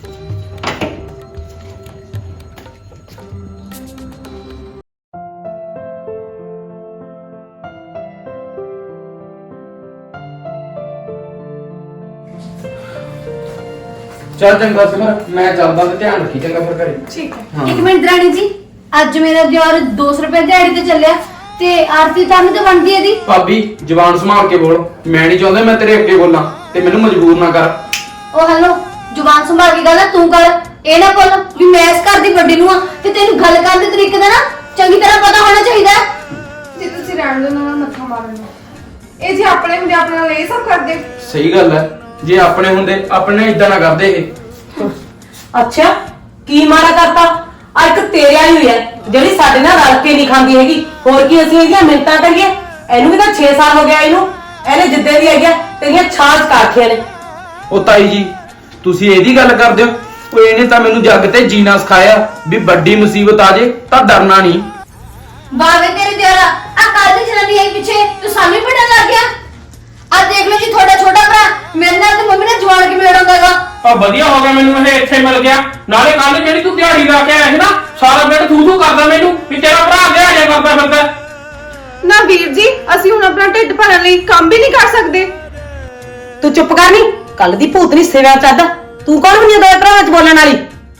B: ਚੱਲ ਚੰਗਾ ਸਿਮਰ, ਮੈਂ ਚੱਲਦਾ ਤੇ ਧਿਆਨ ਰੱਖੀ ਚੰਗਾ ਫਿਰ ਘਰੇ।
A: ਠੀਕ ਹੈ।
B: ਹਾਂ।
C: ਇੱਕ ਮਿੰਟ ਰਾਣੀ ਜੀ, ਅੱਜ ਮੇਰਾ ਦਿਓਰ ਦੋ ਸੌ ਰੁਪਏ ਦਿਹਾੜੀ ਤੇ ਚੱਲਿਆ ਤੇ ਆਰਤੀ ਤੁਹਾਨੂੰ ਤੇ ਬਣਦੀ ਇਹਦੀ।
B: ਭਾਬੀ ਜ਼ੁਬਾਨ ਸੰਭਾਲ ਕੇ ਬੋਲ, ਮੈਂ ਨਹੀਂ ਚਾਹੁੰਦਾ ਮੈਂ ਤੇਰੇ ਅੱਗੇ ਬੋਲਾਂ ਤੇ ਮੈਨੂੰ ਮਜਬੂਰ ਨਾ ਕਰ।
C: ਉਹ ਹੈਲੋ, ਜ਼ੁਬਾਨ ਸੰਭਾਲ ਕੇ ਗੱਲ ਆ ਤੂੰ ਕਰ। ਇਹ ਨਾ ਬੋਲ ਵੀ ਮੈਂ ਇਸ ਘਰ ਦੀ ਵੱਡੀ ਨੂੰ ਆ ਤੇ ਤੈਨੂੰ ਗੱਲ ਕਰਨ ਦੇ ਤਰੀਕੇ ਦਾ ਨਾ ਚੰਗੀ ਤਰ੍ਹਾਂ ਪਤਾ ਹੋਣਾ ਚਾਹੀਦਾ ਹੈ।
A: ਜੇ ਤੁਸੀਂ ਰਹਿਣ ਦੋ ਨਾ ਮੱਥਾ ਮਾਰਨ ਨੂੰ, ਇਹ ਜੇ ਆਪਣੇ ਹੁੰਦੇ ਆਪਣੇ ਨਾਲ ਇਹ ਸਭ ਕਰਦੇ।
B: ਸਹੀ ਗੱਲ ਹੈ, ਜੇ ਆਪਣੇ ਹੁੰਦੇ ਆਪਣੇ ਇਦਾਂ ਨਾ ਕਰਦੇ ਇਹ।
E: ਅੱਛਾ ਕੀ ਮਾਰਾ ਕਰਤਾ? ਆ ਇੱਕ ਤੇਰੇ ਵਾਲੀ ਹੋਈ ਹੈ ਜਿਹੜੀ ਸਾਡੇ ਨਾਲ ਰਲ ਕੇ ਨਹੀਂ ਖਾਂਦੀ ਹੈਗੀ। ਹੋਰ ਕੀ ਅਸੀਂ ਇਹਦੀਆਂ ਮਿੰਤਾਂ ਕਰੀਏ? ਇਹਨੂੰ ਵੀ ਤਾਂ ਛੇ ਸਾਲ ਹੋ ਗਿਆ ਇਹਨੂੰ। ਇਹਨੇ ਜਿੱਦੇ ਦੀ ਆਈ ਹੈ ਤੇਰੀਆਂ ਛਾਂਚ ਕਾਖੀਆਂ ਨੇ।
B: ਉਹ ਤਾਈ ਜੀ ਤੁਸੀਂ ਇਹਦੀ ਗੱਲ ਕਰਦੇ ਹੋ? ਉਹ ਇਹਨੇ ਤਾਂ ਮੈਨੂੰ ਜੱਗ ਤੇ ਜੀਣਾ ਸਿਖਾਇਆ ਵੀ ਵੱਡੀ ਮੁਸੀਬਤ ਆ ਜੇ ਤਾਂ ਡਰਨਾ ਨਹੀਂ।
C: ਬਾਵੇ ਤੇਰੇ ਦਿਓਰਾ, ਆ ਕੱਲ ਦੀ ਜਨਾਨੀ ਆਈ ਪਿੱਛੇ ਤੂੰ ਸਾਨੂੰ ਹੀ ਪੜਨ ਲੱਗ ਗਿਆ। ਆ ਦੇਖ ਲਓ ਜੀ ਤੁਹਾਡਾ ਛੋਟਾ ਭਰਾ ਮੇਰੇ ਨਾਲ ਤੇ ਮੰਮੀ ਨਾਲ ਜਵਾਨ ਕਿਵੇਂ ਲੜਾਉਂਦਾਗਾ।
D: ਆ ਵਧੀਆ ਹੋ ਗਿਆ ਮੈਨੂੰ ਇਹ ਇੱਥੇ ਮਿਲ ਗਿਆ। ਨਾਲੇ ਕੱਲ ਜਿਹੜੀ ਤੂੰ ਦਿਹਾੜੀ ਲਾ ਕੇ ਆਇਆ ਸੀ ਨਾ, ਸਾਰਾ ਦਿਨ ਤੂੰ ਤੂੰ ਕਰਦਾ ਮੈਨੂੰ ਵੀ ਤੇਰਾ ਭਰਾ ਦਿਹਾੜੀਆਂ ਕਰਦਾ ਫਿਰਦਾ।
A: ਨਾ ਵੀਰ ਜੀ, ਅਸੀਂ ਹੁਣ ਆਪਣਾ ਢਿੱਡ ਭਰਨ ਲਈ ਕੰਮ ਵੀ ਨਹੀਂ ਕਰ ਸਕਦੇ।
E: ਤੂੰ ਚੁੱਪ ਕਰ ਨੀ, ਕੱਲ ਦੀ ਭੂਤਨੀ ਸੇਵਾ ਚੱਦ। ਤੂੰ ਕੌਣ ਹੁੰਦੀ ਦੋਏ ਭਰਾਵਾਂ ਚ ਬੋਲਣ ਵਾਲੀ?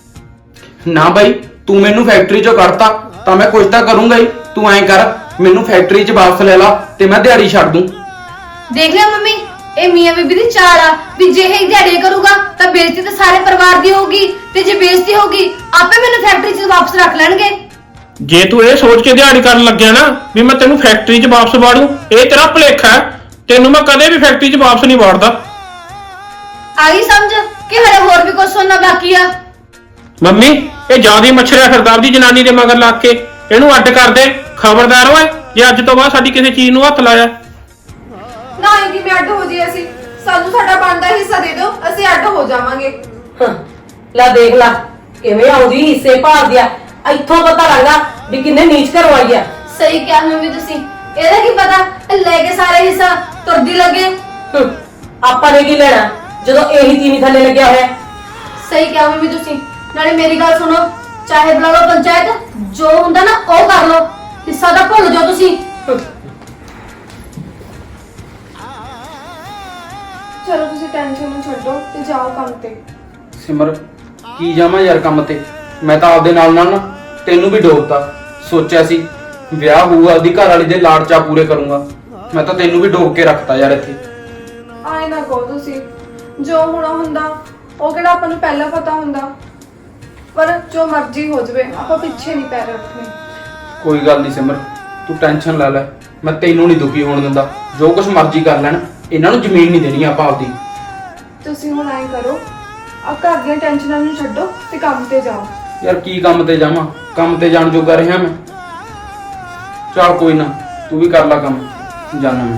B: ਨਾ ਬਾਈ, ਤੂੰ ਮੈਨੂੰ ਫੈਕਟਰੀ ਚੋਂ ਕੱਢਤਾ ਤਾਂ ਮੈਂ ਕੁਝ ਤਾਂ ਕਰੂੰਗਾ ਹੀ। ਤੂੰ ਐਂ ਕਰ, ਮੈਨੂੰ ਫੈਕਟਰੀ 'ਚ ਵਾਪਸ ਲੈ ਲਾ ਤੇ ਮੈਂ ਦਿਹਾੜੀ ਛੱਡ ਦੂੰ।
C: ਦੇਖ ਲਿਆ ਮੰਮੀ, ਇਹ ਮੀਆਂ ਬੀਬੀ ਦੀ ਚਾਲ ਆ ਵੀ ਜੇ ਇਹ ਦਿਹਾੜੀ ਕਰੂਗਾ ਤਾਂ ਬੇਇੱਜ਼ਤੀ ਤਾਂ ਸਾਰੇ ਪਰਿਵਾਰ ਦੀ ਹੋਊਗੀ ਤੇ ਜੇ ਬੇਇੱਜ਼ਤੀ ਹੋਊਗੀ ਆਪੇ ਮੈਨੂੰ ਫੈਕਟਰੀ 'ਚ ਵਾਪਸ ਰੱਖ ਲੈਣਗੇ।
D: ਜੇ ਤੂੰ ਇਹ ਸੋਚ ਕੇ ਦਿਹਾੜੀ ਕਰਨ ਲੱਗਿਆ ਨਾ ਵੀ ਮੈਂ ਤੈਨੂੰ ਫੈਕਟਰੀ 'ਚ ਵਾਪਸ ਵਾੜੂ, ਇਹ ਤੇਰਾ ਭੁਲੇਖਾ ਹੈ। ਤੈਨੂੰ ਮੈਂ ਕਦੇ ਵੀ ਫੈਕਟਰੀ 'ਚ ਵਾਪਸ ਨਹੀਂ ਵਾੜਦਾ।
C: ਆਈ ਸਮਝ ਕਿ ਹਲੇ ਹੋਰ ਵੀ ਕੁਝ ਸੁਣਨਾ ਬਾਕੀ ਆ।
D: ਮੰਮੀ ਇਹ ਜਿਆਦਾ ਮੱਛਰਿਆ ਫਿਰਦਾ ਆਪਦੀ ਜਨਾਨੀ ਦੇ ਮਗਰ ਲੱਗ ਕੇ। ਇਹਨੂੰ ਅੱਡ ਕਰ ਦੇ। ਖਬਰਦਾਰ ਓਏ, ਜੇ ਅੱਜ ਤੋਂ ਬਾਅਦ ਸਾਡੀ ਕਿਸੇ ਚੀਜ਼ ਨੂੰ ਹੱਥ ਲਾਇਆ।
A: ਨਾ ਇਹ ਕਿਵੇਂ ਅੱਡ ਹੋ ਜੀ? ਅਸੀਂ ਸਾਨੂੰ ਸਾਡਾ ਬਣਦਾ ਹਿੱਸਾ ਦੇ ਦਿਓ, ਅਸੀਂ ਅੱਡ ਹੋ ਜਾਵਾਂਗੇ।
E: ਹਾਂ, ਲੈ ਦੇਖ ਲਾ ਕਿਵੇਂ ਆਉਂਦੀ ਹਿੱਸੇ ਭਾਲਦੀ ਆ। ਇੱਥੋਂ ਪਤਾ ਲੱਗਦਾ ਵੀ ਕਿੰਨੇ ਨੀਚ ਘਰੋਂ ਆਈ ਆ।
C: ਸਹੀ ਕਿਹਾ ਮੰਮੀ ਤੁਸੀਂ। ਇਹਦਾ ਕੀ ਪਤਾ ਲੈ ਕੇ ਸਾਰੇ ਹਿੱਸਾ ਤੁਰਦੀ ਲੱਗੇ।
E: ਹਮ, ਆਪਾਂ ਨੇ ਕੀ ਲੈਣਾ ਜਦੋਂ ਇਹੀ ਤੀਵੀਂ ਥੱਲੇ ਲੱਗਿਆ ਹੋਇਆ।
C: ਸਹੀ ਕਿਹਾ ਮੰਮੀ ਤੁਸੀਂ। ਨਾਲੇ ਮੇਰੀ ਗੱਲ ਸੁਣੋ, ਚਾਹੇ ਬੁਲਾ ਲਓ ਪੰਚਾਇਤ, ਜੋ ਹੁੰਦਾ ਨਾ ਉਹ ਕਰ ਲਓ, ਹਿੱਸਾ ਤਾਂ ਭੁੱਲ ਜਾਓ ਤੁਸੀਂ।
E: ਹਮ,
A: ਚਲੋ ਤੁਸੀਂ ਟੈਨਸ਼ਨ ਨੂੰ ਛੱਡੋ ਤੇ ਜਾਓ ਕੰਮ ਤੇ।
B: ਸਿਮਰ ਕੀ ਜਾਵਾਂ ਯਾਰ ਕੰਮ ਤੇ? ਮੈਂ ਤਾਂ ਆਪਦੇ ਨਾਲ ਨਾਲ ਨਾ ਤੈਨੂੰ ਵੀ ਡੋਬਤਾ। ਸੋਚਿਆ ਸੀ ਵਿਆਹ ਹੋਊਗਾ, ਉਹਦੀ ਘਰ ਵਾਲੀ ਦੇ ਲਾੜ ਚਾ ਪੂਰੇ ਕਰੂੰਗਾ। ਮੈਂ ਤਾਂ ਤੈਨੂੰ ਵੀ ਡੋਬ ਕੇ ਰੱਖਤਾ ਯਾਰ ਇੱਥੇ।
A: ਆਏ ਨਾ ਕਹੋ ਤੁਸੀਂ, ਜੋ ਹੋਣਾ ਹੁੰਦਾ ਉਹ ਕਿਹੜਾ ਆਪਾਂ ਨੂੰ ਪਹਿਲਾਂ ਪਤਾ ਹੁੰਦਾ। ਪਰ ਜੋ ਮਰਜ਼ੀ ਹੋ ਜਾਵੇ ਆਪਾਂ ਪਿੱਛੇ ਨਹੀਂ ਪੈਰ ਰੱਖਣੇ।
B: ਕੋਈ ਗੱਲ ਨਹੀਂ ਸਿਮਰ, ਤੂੰ ਟੈਨਸ਼ਨ ਲੈ ਲੈ, ਮੈਂ ਤੈਨੂੰ ਨਹੀਂ ਦੁਖੀ ਹੋਣ ਦਿੰਦਾ। ਜੋ ਕੁਝ ਮਰਜ਼ੀ ਕਰ ਲੈਣ, ਇਹਨਾਂ ਨੂੰ ਜ਼ਮੀਨ ਨਹੀਂ ਦੇਣੀ ਆਪਾਂ ਆਪਦੀ।
A: ਤੁਸੀਂ ਹੁਣ ਐਂ ਕਰੋ, ਆ ਘਰ ਦੀਆਂ ਟੈਨਸ਼ਨਾਂ ਨੂੰ ਛੱਡੋ ਤੇ ਕੰਮ ਤੇ ਜਾਓ।
B: ਯਾਰ ਕੀ ਕੰਮ ਤੇ ਜਾਵਾਂ? ਕੰਮ ਤੇ ਜਾਣ ਜੋਗਾ ਰਿਹਾ ਮੈਂ। ਚੱਲ ਕੋਈ ਨਾ, ਤੂੰ ਵੀ ਕਰ ਲੈ ਕੰਮ, ਜਾਣਾ ਮੈਂ।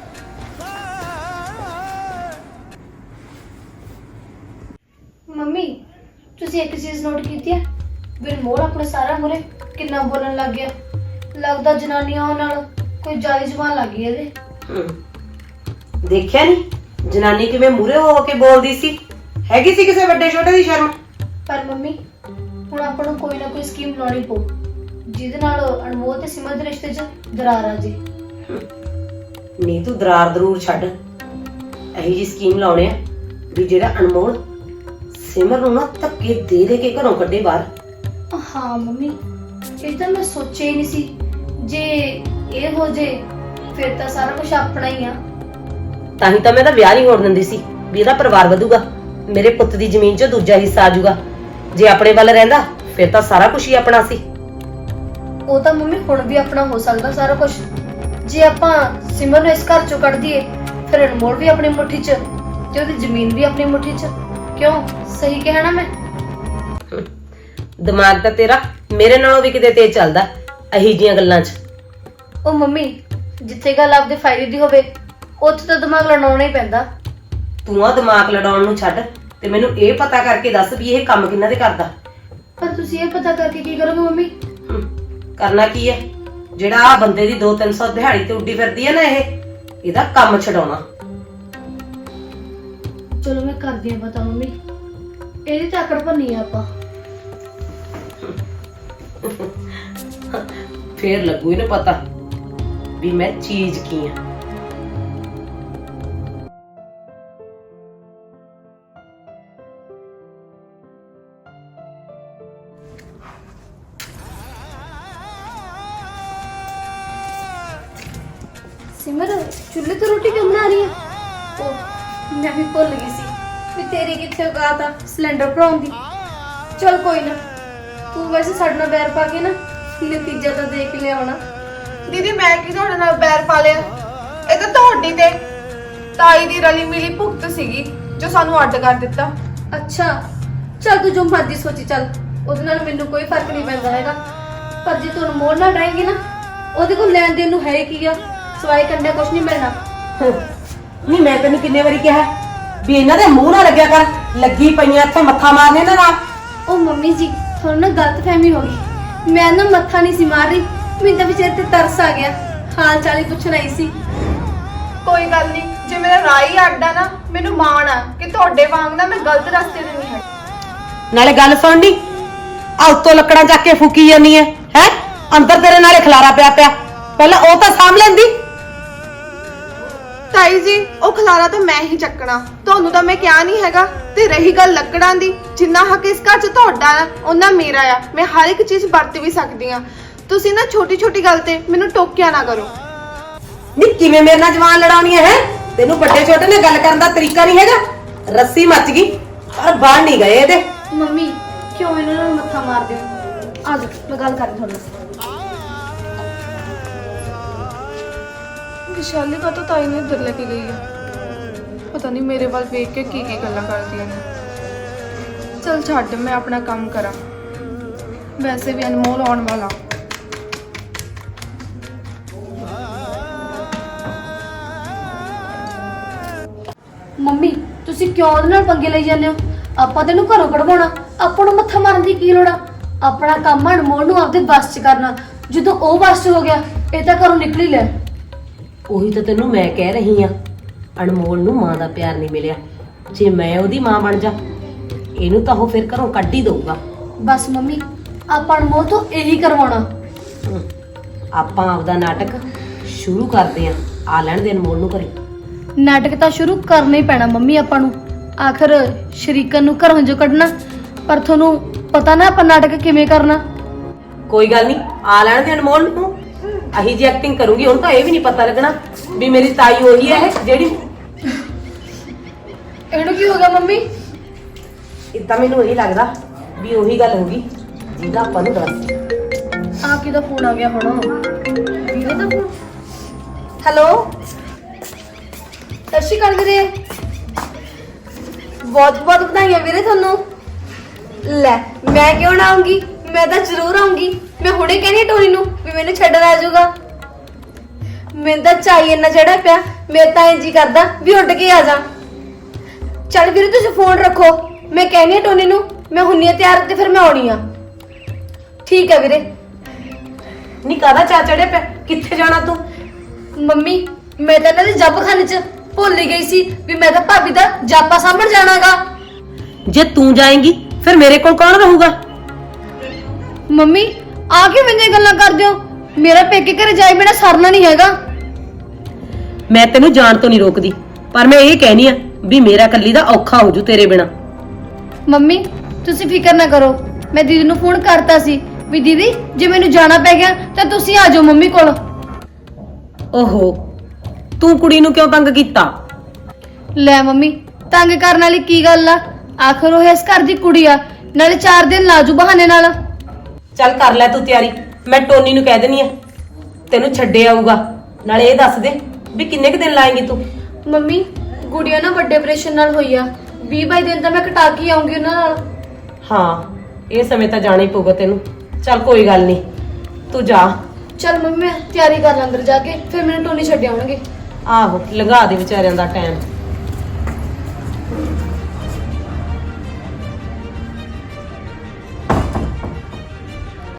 C: ਮੰਮੀ ਤੁਸੀਂ ਇੱਕ ਚੀਜ਼ ਨੋਟ ਕੀਤੀ ਹੈ? ਬਿਰਮੋਰ ਆਪਣੇ ਸਾਰਾ ਮੁਰੇ ਕਿੰਨਾ ਬੋਲਣ ਲੱਗ ਗਿਆ। ਲੱਗਦਾ ਜਨਾਨੀਆਂ ਨਾਲ ਕੋਈ ਜਾਇਜ਼ ਜ਼ਬਾਨ ਲੱਗ ਗਈ ਇਹਦੇ।
E: ਹਮ, ਦੇਖਿਆ ਨਹੀਂ ਜਨਾਨੀ ਕਿਵੇਂ ਮੂਰੇ ਹੋ ਕੇ ਬੋਲਦੀ ਸੀ? ਹੈਗੀ ਸੀ ਕਿਸੇ ਵੱਡੇ ਛੋਟੇ ਦੀ ਸ਼ਰਮ?
C: ਪਰ ਮੰਮੀ ਹੁਣ ਆਪਾਂ ਨੂੰ ਕੋਈ ਨਾ ਕੋਈ ਸਕੀਮ ਲਾਉਣੀ ਪਊ ਜਿਹਦੇ ਨਾਲ ਅਨਮੋਲ ਤੇ ਸਿਮਰ ਦੇ ਰਿਸ਼ਤੇ 'ਚ ਦਰਾਰ ਆ ਜੇ।
E: ਨਹੀਂ ਤੂੰ ਦਰਾਰ ਦਰੂਰ ਛੱਡ, ਇਹੀ ਜੀ ਸਕੀਮ ਲਾਉਣੇ ਆ ਵੀ ਜਿਹੜਾ ਅਨਮੋਲ ਸਿਮਰ ਨੂੰ ਨਾ ਧੱਕੇ ਦੇ ਦੇ ਕੇ ਘਰੋਂ ਕੱਢੇ ਬਾਹਰ।
C: ਹਾਂ ਮੰਮੀ, ਇਹ ਤਾਂ ਮੈਂ ਸੋਚਿਆ ਹੀ ਨਹੀਂ ਸੀ। ਜੇ ਇਹ ਹੋ ਜੇ ਫਿਰ ਤਾਂ ਸਾਰਾ ਕੁਝ ਆਪਣਾ ਹੀ ਆ।
E: ਤਾਂ ਹੀ ਤਾਂ ਮੈਂ ਤਾਂ ਵਿਆਹ ਨਹੀਂ ਹੋਣ ਦਿੰਦੀ ਸੀ ਵੀ ਇਹਦਾ ਪਰਿਵਾਰ ਵਧੂਗਾ, ਮੇਰੇ ਪੁੱਤ ਦੀ ਜ਼ਮੀਨ 'ਚੋਂ ਦੂਜਾ ਹਿੱਸਾ ਆ ਜਾਊਗਾ। ਜੇ ਆਪਣੇ ਵੱਲ ਰਹਿੰਦਾ ਫਿਰ ਤਾਂ ਸਾਰਾ ਕੁਝ ਹੀ ਆਪਣਾ ਸੀ।
C: ਉਹ ਤਾਂ ਮੰਮੀ ਹੁਣ ਵੀ ਆਪਣਾ ਹੋ ਸਕਦਾ ਸਾਰਾ ਕੁਝ। ਜੇ ਆਪਾਂ ਸਿਮਰ ਨੂੰ ਇਸ ਘਰ ਚੋਂ ਕੱਢ ਦਈਏ ਫਿਰ ਅਨਮੋਲ ਵੀ ਆਪਣੀ ਮੁੱਠੀ 'ਚ ਤੇ ਉਹਦੀ ਜ਼ਮੀਨ ਵੀ ਆਪਣੀ ਮੁੱਠੀ 'ਚ। ਕਿਉਂ, ਸਹੀ ਕਿਹਾ ਨਾ ਮੈਂ?
E: ਦਿਮਾਗ ਤਾਂ ਤੇਰਾ ਮੇਰੇ ਨਾਲੋਂ ਵੀ ਕਿਤੇ ਤੇਜ਼ ਚੱਲਦਾ ਅਹੀ ਜੀਆਂ ਗੱਲਾਂ 'ਚ।
C: ਉਹ ਮੰਮੀ, ਜਿੱਥੇ ਗੱਲ ਆਪਦੇ ਫਾਇਦੇ ਦੀ ਹੋਵੇ ਉੱਥੇ ਤਾਂ ਦਿਮਾਗ ਲੜਾਉਣਾ ਹੀ ਪੈਂਦਾ।
E: ਤੂੰ ਆ ਦਿਮਾਗ ਲੜਾਉਣ ਨੂੰ ਛੱਡ ਤੇ ਮੈਨੂੰ ਇਹ ਪਤਾ ਕਰਕੇ ਦੱਸ ਵੀ ਇਹ ਕੰਮ ਕਿਹਨਾਂ ਦੇ ਕਰਦਾ।
C: ਪਰ ਤੁਸੀਂ ਇਹ ਪਤਾ ਕਰਕੇ ਕੀ ਕਰੋਗੇ ਮੰਮੀ?
E: ਹਮ, ਕਰਨਾ ਕੀ ਹੈ? ਜਿਹੜਾ ਆ ਬੰਦੇ ਦੀ ਦੋ ਤਿੰਨ ਸੌ ਦਿਹਾੜੀ ਤੇ ਉੱਡੀ ਫਿਰਦੀ ਹੈ ਨਾ, ਇਹ ਇਹਦਾ ਕੰਮ ਛਡਾਉਣਾ।
C: ਚਲੋ ਮੈਂ ਕਰਦੀ ਆ ਪਤਾ ਮੰਮੀ, ਇਹਦੀ ਤਾਂ ਆਕੜ ਭੰਨੀ ਆ ਆਪਾਂ।
E: ਫੇਰ ਲੱਗੂ ਇਹਨੂੰ ਪਤਾ ਵੀ ਮੈਂ ਚੀਜ਼ ਕੀ ਆ।
C: ਸਿਮਰ, ਚੁੱਲ੍ਹੇ ਤੇ ਰੋਟੀ ਕਿਉਂ ਬਣਾ ਰਹੀ ਹੈ? ਉਹ ਮੈਂ ਵੀ ਭੁੱਲ ਗਈ ਸੀ ਵੀ ਤੇਰੀ ਕਿੱਥੇ ਔਕਾਤ ਆ ਸਿਲੰਡਰ ਭਰਾਉਣ ਦੀ। ਚਲ ਕੋਈ ਨਾ, ਤੂੰ ਵੈਸੇ ਸਾਡੇ ਨਾਲ ਬੈਰ ਪਾ ਕੇ ਨਾ ਨਤੀਜਾ ਤਾਂ ਦੇਖ ਲਿਆਉਣਾ।
A: ਦੀਦੀ ਮੈਂ ਕੀ ਤੁਹਾਡੇ ਨਾਲ ਬੈਰ ਪਾ ਲਿਆ? ਇਹ ਤਾਂ ਤੁਹਾਡੀ ਤੇ ਤਾਈ ਦੀ ਰਲੀ ਮਿਲੀ ਭੁਗਤ ਸੀਗੀ ਜੋ ਸਾਨੂੰ ਅੱਡ ਕਰ ਦਿੱਤਾ।
C: ਅੱਛਾ ਚਲ ਤੂੰ ਜੋ ਮਰਜ਼ੀ ਸੋਚੀ ਚੱਲ, ਉਹਦੇ ਨਾਲ ਮੈਨੂੰ ਕੋਈ ਫਰਕ ਨਹੀਂ ਪੈਂਦਾ ਹੈਗਾ। ਪਰ ਜੇ ਤੂੰ ਮੋੜ ਨਾਲ ਡਰਾਏਂਗੀ ਨਾ, ਉਹਦੇ ਕੋਲ ਲੈਣ ਦੇਣ ਨੂੰ ਹੈ ਕੀ ਆ, ਸਵਾਈ ਕੰਡਿਆ ਕੁਛ ਨਹੀਂ ਮਿਲਣਾ।
E: ਨਹੀਂ ਮੈਂ ਤੈਨੂੰ ਕਿੰਨੇ ਵਾਰੀ ਕਿਹਾ ਵੀ ਇਹਨਾਂ ਦੇ ਮੂੰਹ ਨਾ ਲੱਗਿਆ ਕਰ, ਲੱਗੀ ਪਈਆਂ ਇੱਥੇ ਮੱਥਾ ਮਾਰਨੇ ਇਹਨਾਂ ਨਾਲ।
C: ਉਹ ਮੰਮੀ ਜੀ, ਤੁਹਾਨੂੰ ਨਾ ਗਲਤਫਹਿਮੀ ਹੋ ਗਈ। ਮੈਂ ਨਾ ਮੱਥਾ ਨਹੀਂ ਸੀ ਮਾਰ ਰਹੀ, ਮੈਨੂੰ ਤਾਂ ਵਿਚਾਰੇ ਤੇ ਤਰਸ ਆ ਗਿਆ, ਹਾਲ ਚਾਲ ਹੀ ਪੁੱਛਣ ਆਈ ਸੀ।
A: ਕੋਈ ਗੱਲ ਨਹੀਂ, ਜੇ ਮੇਰਾ ਰਾਈ ਅੱਡਾ ਨਾ, ਮੈਨੂੰ ਮਾਣ ਆ ਕਿ ਤੁਹਾਡੇ ਵਾਂਗ ਨਾ ਮੈਂ ਗਲਤ ਰਸਤੇ ਤੇ ਨਹੀਂ ਹੈ।
E: ਨਾਲੇ ਗੱਲ ਸੁਣਨੀ, ਆ ਉੱਤੋਂ ਲੱਕੜਾਂ ਚੱਕ ਕੇ ਫੂਕੀ ਜਾਂਦੀ ਹੈ ਹੈ ਅੰਦਰ ਤੇਰੇ ਨਾਲੇ ਖਲਾਰਾ ਪਿਆ ਪਿਆ, ਪਹਿਲਾਂ ਉਹ ਤਾਂ ਸਾਂਭ ਲੈਂਦੀ।
A: ਤਾਈ ਜੀ, ਉਹ ਖਲਾਰਾ ਤਾਂ ਮੈਂ ਹੀ ਚੱਕਣਾ, ਤੁਹਾਨੂੰ ਤਾਂ ਮੈਂ ਕਿਹਾ ਨਹੀਂ ਹੈਗਾ। ਤੇ ਰਹੀ ਗੱਲ ਲੱਕੜਾਂ ਦੀ, ਜਿੰਨਾ ਹੱਕ ਇਸ ਘਰ 'ਚ ਤੁਹਾਡਾ ਆ ਉਹਨਾਂ ਮੇਰਾ ਆ। ਮੈਂ ਹਰ ਇੱਕ ਚੀਜ਼ ਵਰਤ ਵੀ ਸਕਦੀ ਆ। ਤੁਸੀਂ ਨਾ ਛੋਟੀ ਛੋਟੀ ਗੱਲ ਤੇ ਮੈਨੂੰ ਟੋਕਿਆ ਨਾ ਕਰੋ।
E: ਨੀ ਕਿਵੇਂ ਮੇਰੇ ਨਾਲ ਜਵਾਨ ਲੜਾਉਣੀ ਹੈ? ਤੈਨੂੰ ਵੱਡੇ ਛੋਟੇ ਨਾਲ ਗੱਲ ਕਰਨ ਦਾ ਤਰੀਕਾ ਨਹੀਂ ਹੈਗਾ। ਰੱਸੀ ਮੱਚ ਗਈ ਪਰ ਬਾਹਰ ਨਹੀਂ ਗਏ ਇਹਦੇ।
C: ਮੰਮੀ ਕਿਉਂ ਇਹਨਾਂ ਨਾਲ ਮੱਥਾ ਮਾਰਦੇ ਹੋ? ਆ ਜਾਓ ਮੈਂ ਗੱਲ ਕਰਨੀ ਤੁਹਾਡੇ ਨਾਲ।
A: ਵਿਸ਼ਾਲੀ ਕਾ ਤਾਂ ਤਾਈ ਨੇ ਇੱਧਰ ਲੈ ਕੇ ਗਈ ਆ, ਪਤਾ ਨਹੀਂ ਮੇਰੇ ਵੱਲ ਵੇਖ ਕੇ ਕੀ ਕੀ ਗੱਲਾਂ ਕਰਦੀਆਂ ਨੇ। ਚਲ ਛੱਡ, ਮੈਂ ਆਪਣਾ ਕੰਮ ਕਰਾਂ, ਵੈਸੇ ਵੀ ਅਨਮੋਲ ਆਉਣ ਵਾਲਾ।
C: ਮੰਮੀ ਤੁਸੀਂ ਕਿਉਂ ਉਹਦੇ ਨਾਲ ਪੰਗੇ ਲਈ ਜਾਂਦੇ ਹੋ? ਆਪਾਂ ਤੈਨੂੰ ਘਰੋਂ ਕਢਵਾਉਣਾ, ਆਪਾਂ ਨੂੰ ਮੱਥਾ ਮਾਰਨ ਦੀ ਕੀ ਲੋੜ ਆ? ਆਪਣਾ ਕੰਮ ਅਨਮੋਲ ਨੂੰ ਆਪਦੇ ਬਸ 'ਚ ਕਰਨਾ। ਜਦੋਂ ਉਹ ਬਸ 'ਚ ਹੋ ਗਿਆ, ਇਹ ਤਾਂ ਘਰੋਂ ਨਿਕਲ ਹੀ ਲੈ।
E: ਉਹੀ ਤਾਂ ਤੈਨੂੰ ਮੈਂ ਕਹਿ ਰਹੀ ਆ, ਅਨਮੋਲ ਨੂੰ ਮਾਂ ਦਾ ਪਿਆਰ ਨਹੀਂ ਮਿਲਿਆ। ਜੇ ਮੈਂ ਉਹਦੀ ਮਾਂ ਬਣ ਜਾ, ਇਹਨੂੰ ਤਾਂ ਉਹ ਫਿਰ ਘਰੋਂ ਕੱਢ ਹੀ ਦਊਗਾ।
C: ਬਸ ਮੰਮੀ, ਆਪਾਂ ਅਨਮੋਲ ਤੋਂ ਇਹੀ ਕਰਵਾਉਣਾ।
E: ਹਮ, ਆਪਾਂ ਆਪਦਾ ਨਾਟਕ ਸ਼ੁਰੂ ਕਰਦੇ ਆ, ਆ ਲੈਣ ਦੇ ਅਨਮੋਲ ਨੂੰ ਘਰੇ।
C: ਨਾਟਕ ਤਾਂ ਸ਼ੁਰੂ ਕਰਨਾ ਹੀ ਪੈਣਾ ਮੰਮੀ ਆਪਾਂ ਨੂੰ, ਆਖਰ ਸ਼ਰੀਕਨ ਨੂੰ ਘਰੋਂ ਜੋ ਕੱਢਣਾ। ਪਰ ਤੁਹਾਨੂੰ ਪਤਾ ਨਾ ਆਪਾਂ ਨਾਟਕ ਕਿਵੇਂ ਕਰਨਾ।
E: ਕੋਈ ਗੱਲ ਨਹੀਂ, ਆ ਲੈਣ ਦੇ ਅਨਮੋਲ ਨੂੰ। ਅਹੀ ਜੀ ਐਕਟਿੰਗ ਕਰੂੰਗੀ, ਹੁਣ ਤਾਂ ਇਹ ਵੀ ਨਹੀਂ ਪਤਾ ਲੱਗਣਾ ਵੀ ਮੇਰੀ ਤਾਈ ਉਹੀ ਹੈ ਜਿਹੜੀ।
C: ਇਹਨੂੰ ਕੀ ਹੋ ਗਿਆ ਮੰਮੀ?
E: ਇਦਾਂ ਮੈਨੂੰ ਇਹੀ ਲੱਗਦਾ ਵੀ ਉਹੀ ਗੱਲ ਹੋਗੀ ਜਿਹਦਾ ਆਪਾਂ ਨੂੰ ਦੱਸ।
C: ਆ ਕਿਹਦਾ ਫੋਨ ਆ ਗਿਆ ਹੁਣ? ਵੀਰੇ ਦਾ ਫੋਨ। ਹੈਲੋ, ਸਤਿ ਸ਼੍ਰੀ ਅਕਾਲ ਵੀਰੇ। ਬਹੁਤ ਬਹੁਤ ਵਧਾਈਆਂ ਵੀਰੇ ਤੁਹਾਨੂੰ। ਲੈ ਮੈਂ ਕਿਉਂ ਨਾ ਆਉਂਗੀ, ਮੈਂ ਤਾਂ ਜ਼ਰੂਰ ਆਉਂਗੀ। ਮੈਂ ਹੁਣੇ ਕਹਿੰਦੀ ਟੋਨੀ ਨੂੰ ਵੀ ਮੈਨੂੰ ਛੱਡਣ ਆ ਜਾਊਗਾ। ਮੈਨੂੰ ਤਾਂ ਚਾਹੀ ਇੰਨਾ ਚੜਾ ਪਿਆ, ਮੇਰਾ ਤਾਂ ਇੰਜ ਹੀ ਕਰਦਾ ਵੀ ਉੱਡ ਕੇ ਆ ਜਾ। ਚੱਲ ਵੀਰੇ ਤੁਸੀਂ ਫੋਨ ਰੱਖੋ, ਮੈਂ ਕਹਿੰਦੀ ਟੋਨੀ ਨੂੰ ਮੈਂ ਹੁੰਨੀ ਆ ਤਿਆਰ ਤੇ ਫਿਰ ਮੈਂ ਆਉਣੀ ਆ। ਠੀਕ ਹੈ ਵੀਰੇ।
E: ਨਹੀਂ ਕਾਹਦਾ ਚਾ ਚੜਿਆ ਪਿਆ, ਕਿੱਥੇ ਜਾਣਾ ਤੂੰ?
C: ਮੰਮੀ ਮੈਂ ਤਾਂ ਇਹਨਾਂ ਦੇ ਜੱਬਖਾਨੇ 'ਚ ਭੁੱਲ ਹੀ ਗਈ ਸੀ ਵੀ ਮੈਂ ਤਾਂ ਭਾਬੀ ਦਾ ਜਾਪਾ ਸਾਂਭਣ ਜਾਣਾਗਾ।
E: ਜੇ ਤੂੰ ਜਾਏਂਗੀ ਫਿਰ ਮੇਰੇ ਕੋਲ ਕੌਣ ਰਹੂਗਾ?
C: ਮੰਮੀ ਆ ਕੇ ਮੈਨੂੰ ਇਹ ਗੱਲਾਂ ਕਰਦੇ ਹੋ? ਮੇਰਾ ਪੇਕੇ ਘਰੇ ਜਾਏ ਬਿਨਾ ਸਰਨਾ ਨਹੀਂ ਹੈਗਾ।
E: ਮੈਂ ਤੈਨੂੰ ਜਾਣ ਤੋਂ ਨਹੀਂ ਰੋਕਦੀ, ਪਰ ਮੈਂ ਇਹ ਕਹਿਨੀ ਆ ਵੀ ਮੇਰਾ ਕੱਲੀ ਦਾ ਔਖਾ ਹੋ ਜੂ ਤੇਰੇ ਬਿਨਾ।
C: ਮੰਮੀ ਤੁਸੀਂ ਫਿਕਰ ਨਾ ਕਰੋ, ਮੈਂ ਦੀਦੀ ਨੂੰ ਫੋਨ ਕਰਤਾ ਸੀ ਵੀ ਦੀਦੀ ਜੇ ਮੈਨੂੰ ਜਾਣਾ ਪੈ ਗਿਆ ਤਾਂ ਤੁਸੀਂ ਆ ਜਾਓ ਮੰਮੀ ਕੋਲ।
E: ਓਹੋ, ਤੂੰ ਕੁੜੀ ਨੂੰ ਕਿਉਂ ਤੰਗ ਕੀਤਾ?
C: ਲੈ ਮੰਮੀ, ਤੰਗ ਕਰਨ ਵਾਲੀ ਕੀ ਗੱਲ ਆ? ਆਖਰ ਉਹ ਇਸ ਘਰ ਦੀ ਕੁੜੀ ਆ, ਨਾਲੇ ਚਾਰ ਦਿਨ ਲਾਜੂ ਬਹਾਨੇ ਨਾਲ।
E: ਚੱਲ ਕਰ ਲੈ ਤੂੰ ਤਿਆਰੀ, ਮੈਂ ਟੋਨੀ ਨੂੰ ਕਹਿ ਦੇਣੀ ਆ ਤੈਨੂੰ ਛੱਡੇ ਆਊਗਾ। ਨਾਲੇ ਇਹ ਦੱਸ ਦੇ ਵੀ ਕਿੰਨੇ ਕੁ ਦਿਨ ਲਾਏਂਗੀ ਤੂੰ?
C: ਮੰਮੀ ਗੁੜੀਆ ਨਾ ਵੱਡੇ ਆਪਰੇਸ਼ਨ ਨਾਲ ਹੋਈ ਆ, ਵੀਹ ਬਾਈ ਦਿਨ ਤਾਂ ਮੈਂ ਕਟਾ ਕੇ ਆਉਂਗੀ ਉਹਨਾਂ ਨਾਲ।
E: ਹਾਂ, ਇਹ ਸਮੇਂ ਤਾਂ ਜਾਣਾ ਹੀ ਪਊਗਾ ਤੈਨੂੰ। ਚੱਲ ਕੋਈ ਗੱਲ ਨਹੀਂ, ਤੂੰ ਜਾ।
C: ਚਲ ਮੰਮੀ ਮੈਂ ਤਿਆਰੀ ਕਰ ਲਾਂ ਅੰਦਰ ਜਾ ਕੇ, ਫਿਰ ਮੈਨੂੰ ਟੋਨੀ ਛੱਡ ਆਉਣਗੇ।
E: ਆਹੋ, ਲੰਘਾ ਦੇ ਵਿਚਾਰਿਆਂ ਦਾ ਟਾਈਮ।